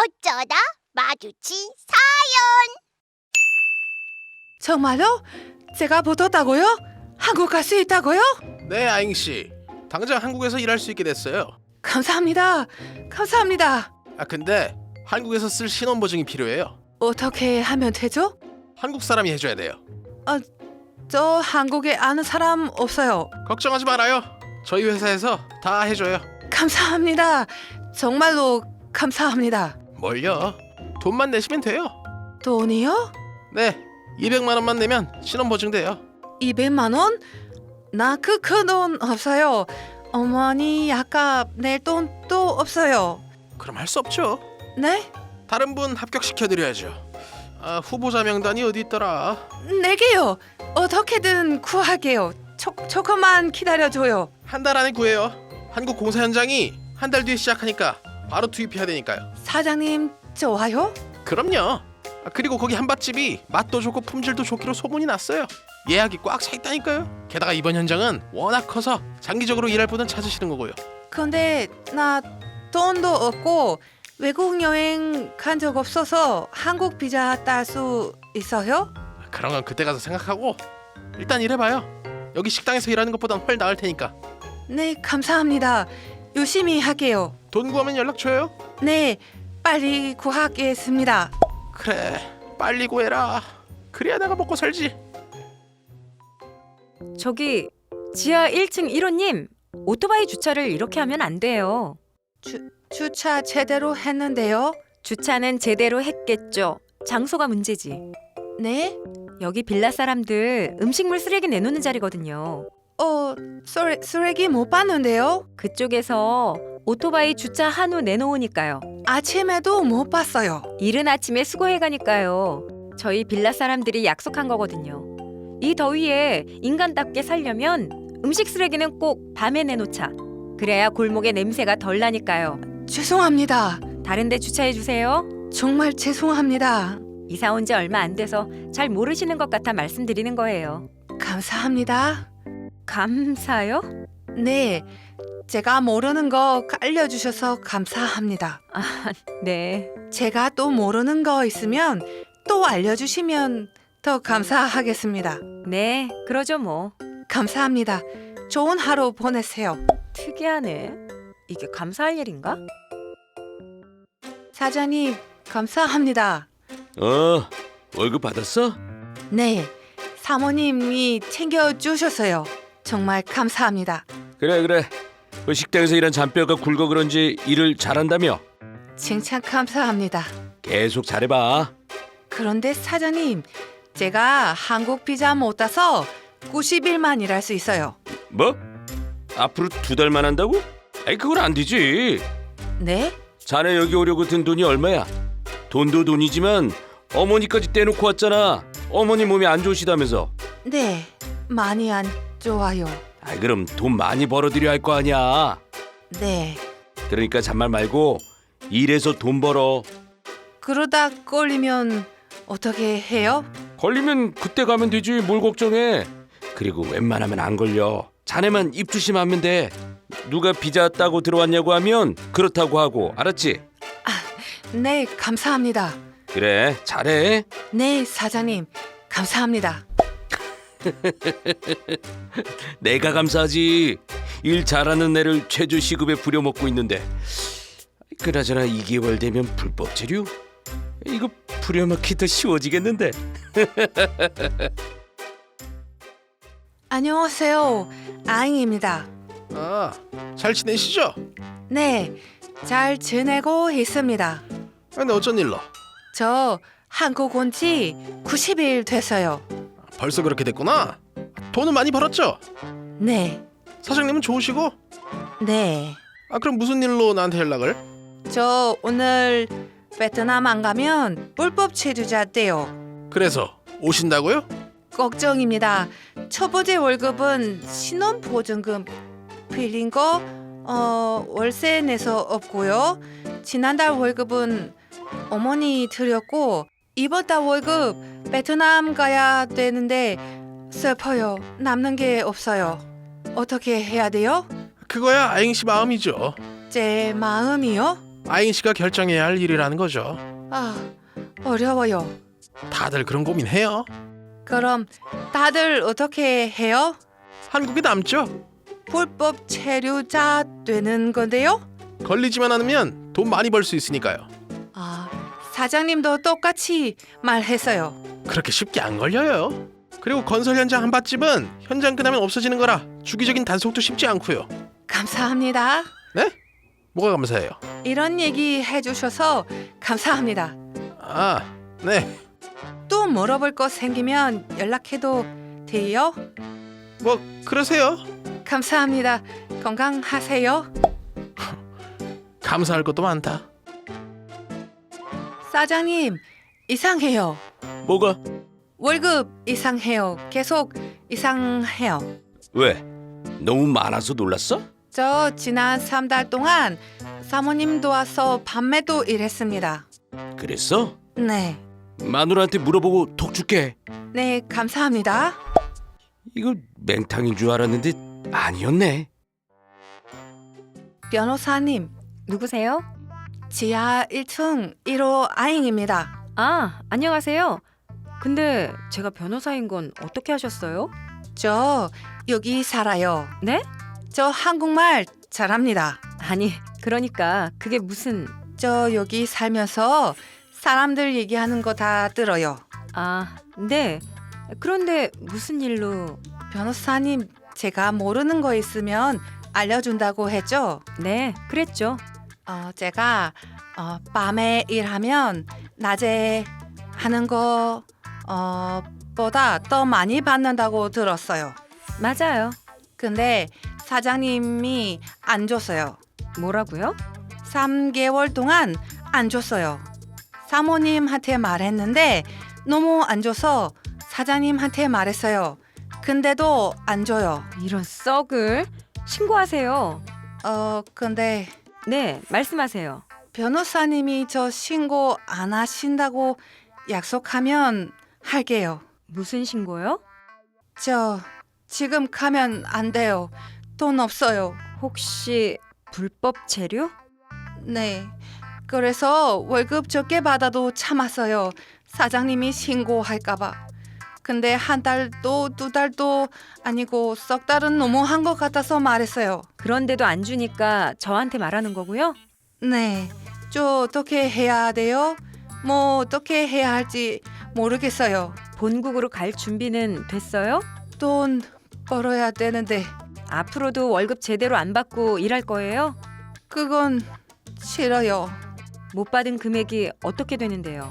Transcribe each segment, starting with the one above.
어쩌다 마주친 정말요? 제가 붙었다고요? 한국 갈 수 있다고요? 네, 아잉씨. 당장 한국에서 일할 수 있게 됐어요. 감사합니다. 감사합니다. 근데 한국에서 쓸 신원보증이 필요해요. 어떻게 하면 되죠? 한국 사람이 해줘야 돼요. 저 한국에 아는 사람 없어요. 걱정하지 말아요. 저희 회사에서 다 해줘요. 감사합니다. 정말로 감사합니다. 뭘요? 돈만 내시면 돼요. 돈이요? 네, 200만 원만 내면 신원보증 돼요. 200만 원? 나 그 큰 돈 없어요. 어머니 아까 낼 돈도 없어요. 그럼 할 수 없죠. 네? 다른 분 합격시켜드려야죠. 후보자 명단이 어디 있더라? 내게요. 어떻게든 구할게요. 조금만 기다려줘요. 한 달 안에 구해요. 한국 공사 현장이 한 달 뒤에 시작하니까 바로 투입해야 되니까요. 사장님 좋아요? 그럼요. 그리고 거기 한밭집이 맛도 좋고 품질도 좋기로 소문이 났어요. 예약이 꽉 차 있다니까요. 게다가 이번 현장은 워낙 커서 장기적으로 일할 분은 찾으시는 거고요. 근데 나 돈도 없고 외국 여행 간 적 없어서 한국 비자 딸 수 있어요? 그런 건 그때 가서 생각하고 일단 일해봐요. 여기 식당에서 일하는 것보단 훨 나을 테니까. 네, 감사합니다. 열심히 할게요. 돈 구하면 연락 줘요. 네, 빨리 구하겠습니다. 그래, 빨리 구해라. 그래야 내가 먹고 살지. 저기 지하 1층 1호님, 오토바이 주차를 이렇게 하면 안 돼요. 주차 제대로 했는데요. 주차는 제대로 했겠죠. 장소가 문제지. 네? 여기 빌라 사람들 음식물 쓰레기 내놓는 자리거든요. 쓰레기 못 봤는데요. 그쪽에서 오토바이 주차한 후 내놓으니까요. 아침에도 못 봤어요. 이른 아침에 수고해 가니까요. 저희 빌라 사람들이 약속한 거거든요. 이 더위에 인간답게 살려면 음식 쓰레기는 꼭 밤에 내놓자. 그래야 골목에 냄새가 덜 나니까요. 죄송합니다. 다른 데 주차해 주세요. 정말 죄송합니다. 이사 온 지 얼마 안 돼서 잘 모르시는 것 같아 말씀드리는 거예요. 감사합니다. 감사요? 네, 제가 모르는 거 알려주셔서 감사합니다. 네. 제가 또 모르는 거 있으면 또 알려주시면 더 감사하겠습니다. 네, 그러죠 뭐. 감사합니다. 좋은 하루 보내세요. 특이하네. 이게 감사할 일인가? 사장님, 감사합니다. 월급 받았어? 네, 사모님이 챙겨주셨어요. 정말 감사합니다. 그래. 그 식당에서 일한 잔뼈가 굵어 그런지 일을 잘한다며? 칭찬 감사합니다. 계속 잘해봐. 그런데 사장님, 제가 한국 비자 못 따서 90일만 일할 수 있어요. 뭐? 앞으로 2달만 한다고? 아이 그건 안 되지. 네? 자네 여기 오려고 든 돈이 얼마야? 돈도 돈이지만 어머니까지 떼놓고 왔잖아. 어머니 몸이 안 좋으시다면서. 네, 많이 안 좋아요. 아이 그럼 돈 많이 벌어들여 할 거 아니야. 네, 그러니까 잔말 말고 일해서 돈 벌어. 그러다 걸리면 어떻게 해요? 걸리면 그때 가면 되지. 뭘 걱정해. 그리고 웬만하면 안 걸려. 자네만 입 조심하면 돼. 누가 비자 따고 들어왔냐고 하면 그렇다고 하고. 알았지? 네, 감사합니다. 그래, 잘해. 네, 사장님, 감사합니다. 내가 감사하지. 일 잘하는 애를 최저 시급에 부려먹고 있는데. 그나저나 2개월 되면 불법 체류? 이거 부려먹기 더 쉬워지겠는데. 안녕하세요, 아잉입니다. 잘 지내시죠? 네, 잘 지내고 있습니다. 근데 어쩐 일로? 저 한국 온 지 90일 됐어요. 벌써 그렇게 됐구나. 돈은 많이 벌었죠? 네, 사장님은 좋으시고? 네. 그럼 무슨 일로 나한테 연락을? 저 오늘 베트남 안 가면 불법 체류자 돼요. 그래서 오신다고요? 걱정입니다. 첫 번째 월급은 신혼보증금 빌린 거 월세 내서 없고요. 지난달 월급은 어머니 드렸고 이번 달 월급 베트남 가야 되는데 슬퍼요. 남는 게 없어요. 어떻게 해야 돼요? 그거야 아잉씨 마음이죠. 제 마음이요? 아잉 씨가 결정해야 할 일이라는 거죠. 아, 어려워요. 다들 그런 고민해요. 그럼 다들 어떻게 해요? 한국에 남죠. 불법 체류자 되는 건데요? 걸리지만 않으면 돈 많이 벌 수 있으니까요. 아, 사장님도 똑같이 말했어요. 그렇게 쉽게 안 걸려요. 그리고 건설 현장 한밭집은 현장 끝나면 없어지는 거라 주기적인 단속도 쉽지 않고요. 감사합니다. 네? 뭐가 감사해요? 이런 얘기 해주셔서 감사합니다. 아, 네. 또 물어볼 거 생기면 연락해도 돼요? 뭐 그러세요. 감사합니다. 건강하세요. 감사할 것도 많다. 사장님, 이상해요. 뭐가? 월급 이상해요. 계속 이상해요. 왜? 너무 많아서 놀랐어? 저 지난 3달 동안 사모님 도와서 밤에도 일했습니다. 그랬어? 네. 마누라한테 물어보고 톡 줄게. 네, 감사합니다. 이거 맹탕인 줄 알았는데 아니었네. 변호사님, 누구세요? 지하 1층 1호 아잉입니다. 아, 안녕하세요. 근데 제가 변호사인 건 어떻게 하셨어요? 저 여기 살아요. 네? 저 한국말 잘합니다. 아니, 그러니까 그게 무슨... 저 여기 살면서 사람들 얘기하는 거 다 들어요. 아, 네. 그런데 무슨 일로... 변호사님, 제가 모르는 거 있으면 알려준다고 했죠? 네, 그랬죠. 제가 밤에 일하면 낮에 하는 거 보다 더 많이 받는다고 들었어요. 맞아요. 근데 사장님이 안 줬어요. 뭐라고요? 3개월 동안 안 줬어요. 사모님한테 말했는데 너무 안 줘서 사장님한테 말했어요. 근데도 안 줘요. 이런 썩을... 신고하세요. 근데 네, 말씀하세요. 변호사님이 저 신고 안 하신다고 약속하면 할게요. 무슨 신고요? 저 지금 가면 안 돼요. 돈 없어요. 혹시 불법 체류? 네. 그래서 월급 적게 받아도 참았어요. 사장님이 신고할까봐. 근데 한 달도 2달도 아니고 석 달은 너무한 것 같아서 말했어요. 그런데도 안 주니까 저한테 말하는 거고요. 네. 저 어떻게 해야 돼요? 뭐 어떻게 해야 할지 모르겠어요. 본국으로 갈 준비는 됐어요? 돈 벌어야 되는데 앞으로도 월급 제대로 안 받고 일할 거예요? 그건 싫어요. 못 받은 금액이 어떻게 되는데요?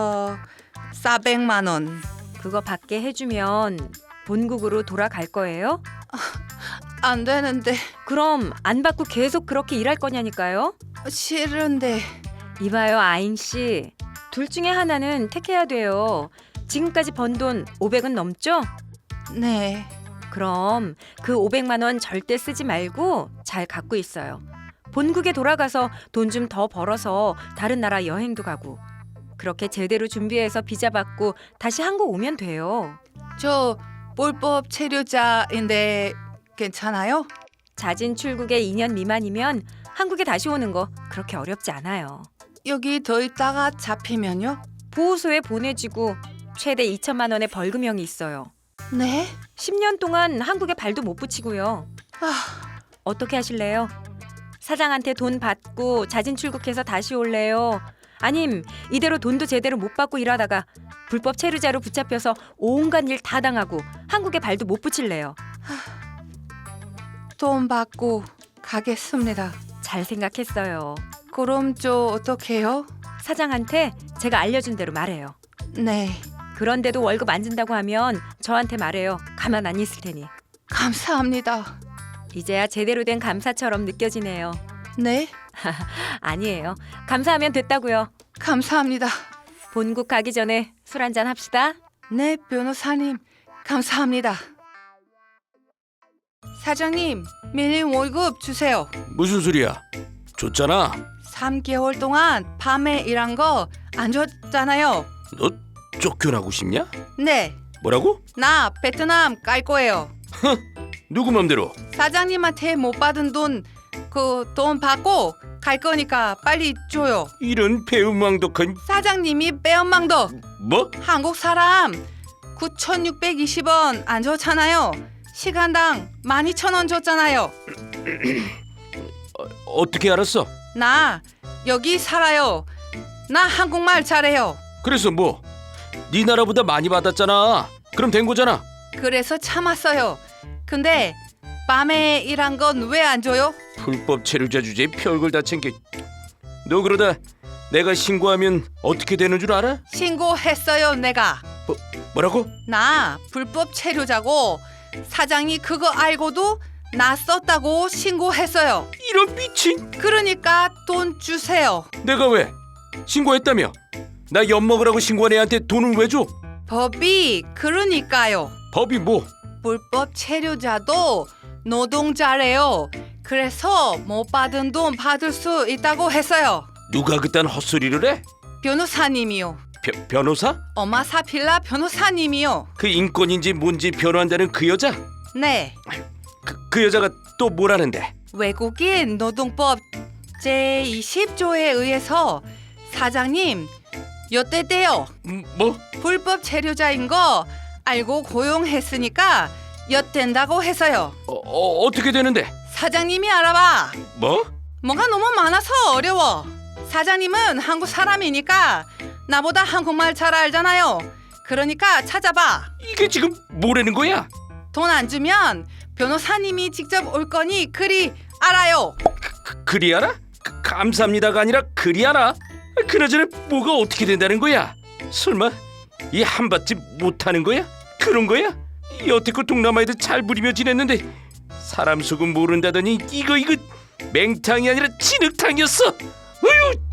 400만 원. 그거 받게 해주면 본국으로 돌아갈 거예요? 안 되는데 그럼 안 받고 계속 그렇게 일할 거냐니까요? 싫은데. 이봐요, 아잉 씨. 둘 중에 하나는 택해야 돼요. 지금까지 번 돈 500은 넘죠? 네. 그럼 그 500만 원 절대 쓰지 말고 잘 갖고 있어요. 본국에 돌아가서 돈 좀 더 벌어서 다른 나라 여행도 가고 그렇게 제대로 준비해서 비자 받고 다시 한국 오면 돼요. 저 불법 체류자인데 괜찮아요? 자진 출국에 2년 미만이면 한국에 다시 오는 거 그렇게 어렵지 않아요. 여기 더 있다가 잡히면요? 보호소에 보내지고 최대 2천만 원의 벌금형이 있어요. 네? 10년 동안 한국에 발도 못 붙이고요. 어떻게 하실래요? 사장한테 돈 받고 자진 출국해서 다시 올래요? 아님 이대로 돈도 제대로 못 받고 일하다가 불법 체류자로 붙잡혀서 온갖 일 다 당하고 한국에 발도 못 붙일래요? 돈 받고 가겠습니다. 잘 생각했어요. 그럼 저 어떡해요? 사장한테 제가 알려준 대로 말해요. 네. 그런데도 월급 안 준다고 하면 저한테 말해요. 가만 안 있을 테니. 감사합니다. 이제야 제대로 된 감사처럼 느껴지네요. 네? 아니에요. 감사하면 됐다고요. 감사합니다. 본국 가기 전에 술 한잔 합시다. 네, 변호사님. 감사합니다. 사장님, 밀린 월급 주세요. 무슨 소리야? 줬잖아. 3개월 동안 밤에 일한 거 안 줬잖아요. 너 쫓겨나고 싶냐? 네, 뭐라고? 나 베트남 갈 거예요. 누구 맘대로? 사장님한테 못 받은 돈 그 돈 받고 갈 거니까 빨리 줘요. 이런 배은망덕한 사장님이 빼엄망덕. 뭐? 한국 사람 9,620원 안 줬잖아요. 시간당 12,000원 줬잖아요. 어떻게 알았어? 나 여기 살아요. 나 한국말 잘해요. 그래서 뭐? 네 나라보다 많이 받았잖아. 그럼 된 거잖아. 그래서 참았어요. 근데 밤에 일한 건 왜 안 줘요? 불법 체류자 주제에 별걸 다 챙겨. 너 그러다 내가 신고하면 어떻게 되는 줄 알아? 신고했어요, 내가. 뭐라고? 나 불법 체류자고 사장이 그거 알고도 나 썼다고 신고했어요. 이런 미친. 그러니까 돈 주세요. 내가 왜? 신고했다며? 나 엿먹으라고 신고한 애한테 돈을 왜 줘? 법이 그러니까요. 법이 뭐? 불법 체류자도 노동자래요. 그래서 못 받은 돈 받을 수 있다고 했어요. 누가 그딴 헛소리를 해? 변호사님이요. 변호사? 어마사필라 변호사님이요. 그 인권인지 뭔지 변호한다는 그 여자? 네. 그 여자가 또 뭐라는데? 외국인 노동법 제20조에 의해서 사장님 엿대대요. 뭐? 불법 체류자인 거 알고 고용했으니까 엿된다고 해서요. 어떻게 되는데? 사장님이 알아봐. 뭐? 뭐가 너무 많아서 어려워. 사장님은 한국 사람이니까 나보다 한국말 잘 알잖아요. 그러니까 찾아봐. 이게 지금 뭐라는 거야? 돈 안 주면 변호사님이 직접 올 거니 그리 알아요. 그리 알아? 감사합니다가 아니라 그리 알아? 그나저나 뭐가 어떻게 된다는 거야? 설마 이 한밭집 못하는 거야? 그런 거야? 여태껏 동남아에도 잘 부리며 지냈는데 사람 속은 모른다더니 이거 맹탕이 아니라 진흙탕이었어. 어휴.